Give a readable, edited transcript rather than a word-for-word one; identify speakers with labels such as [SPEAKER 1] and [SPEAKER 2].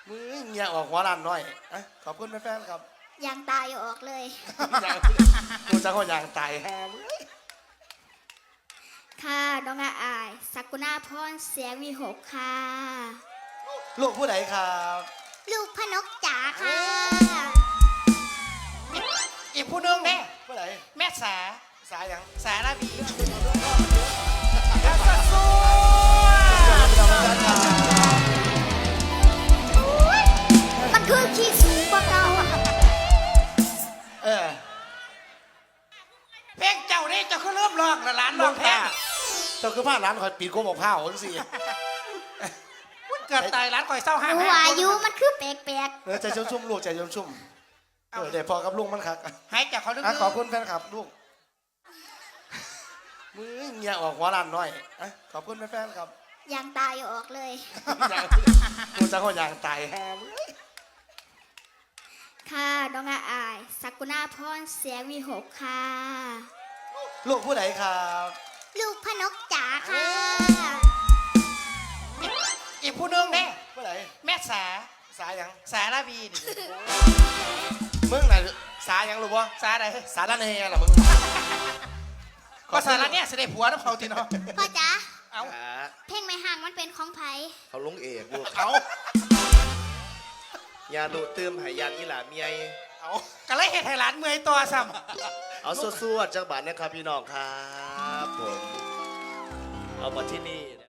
[SPEAKER 1] มือเงียออกหัวล้านน้อยอะขอบคุณแฟนๆครับ
[SPEAKER 2] ยางตายออกเลย
[SPEAKER 1] ยางกูจะก็ยางตายแฮม
[SPEAKER 2] ค่ะน้องอายสักุณาพรเสียงวีหกค่ะ
[SPEAKER 1] ลูกผู้ใดครับ
[SPEAKER 2] ลูกพนกจ๋าค่ะ
[SPEAKER 3] อีกผู้หนึงเนี่ย
[SPEAKER 1] ผู้ใด
[SPEAKER 3] แม่สา
[SPEAKER 1] สายยัง
[SPEAKER 3] สาระบีแล้วก็สู้
[SPEAKER 2] มันคือขี้สูงกว่าเก่า
[SPEAKER 1] เออ
[SPEAKER 3] เพลงเจ้านี่เจ้าก็เริ่มร้องแล้วหลานร้องแพ้
[SPEAKER 1] เจ้าคือผ้าร้านคอยปีนโกบอกผ้าจังสิ
[SPEAKER 3] เกิดตายหลานคอยเศร้าห้า
[SPEAKER 2] หนูอายุมันคือแปลก
[SPEAKER 1] เออใจชุ่มๆลูกใจชุ่มๆเดี๋ยวพอกับลุงมันคัก
[SPEAKER 3] ให้จากเขาลึก
[SPEAKER 1] ขอบคุณแฟนคลับลูกมือเงียออกหัวล้านน้อยอะขอบคุณแฟนๆครับ
[SPEAKER 2] ๆยางตายออกเลย
[SPEAKER 1] กูจะก็ยางตายแฮม
[SPEAKER 2] ค่ะน้องอายสักุณาพรเสียงวีหกค่ะ
[SPEAKER 1] ลูกผู้ใดครับ
[SPEAKER 2] ลูกพนกจ๋าค่ะ
[SPEAKER 3] อีกผู้หนึงเนี่ย
[SPEAKER 1] ผู้ใด
[SPEAKER 3] แม่สา
[SPEAKER 1] สายยัง
[SPEAKER 3] สาระบีนี่
[SPEAKER 1] มึงไหนะสายยังรู้ปะ
[SPEAKER 3] สาอะไร
[SPEAKER 1] สารแหน่เหรอมึง
[SPEAKER 3] ก็สาระเนี่ยเสด็จผัวน้ำเขาทีเนาะ
[SPEAKER 2] พ่อจ๋า
[SPEAKER 3] เอา
[SPEAKER 2] เพลงไม่ห่างมันเป็นของไผ
[SPEAKER 4] เขาลงเอกลูก
[SPEAKER 3] เอา
[SPEAKER 4] ยาดูเติมหายานอีหลาเมีย
[SPEAKER 1] เอา
[SPEAKER 3] ก็เลยเห็ดให้หลานเมื่อยตัวซ้
[SPEAKER 4] เอาสวดๆจากบ้านนะครับพี่น้องครับผมเอามาที่นี่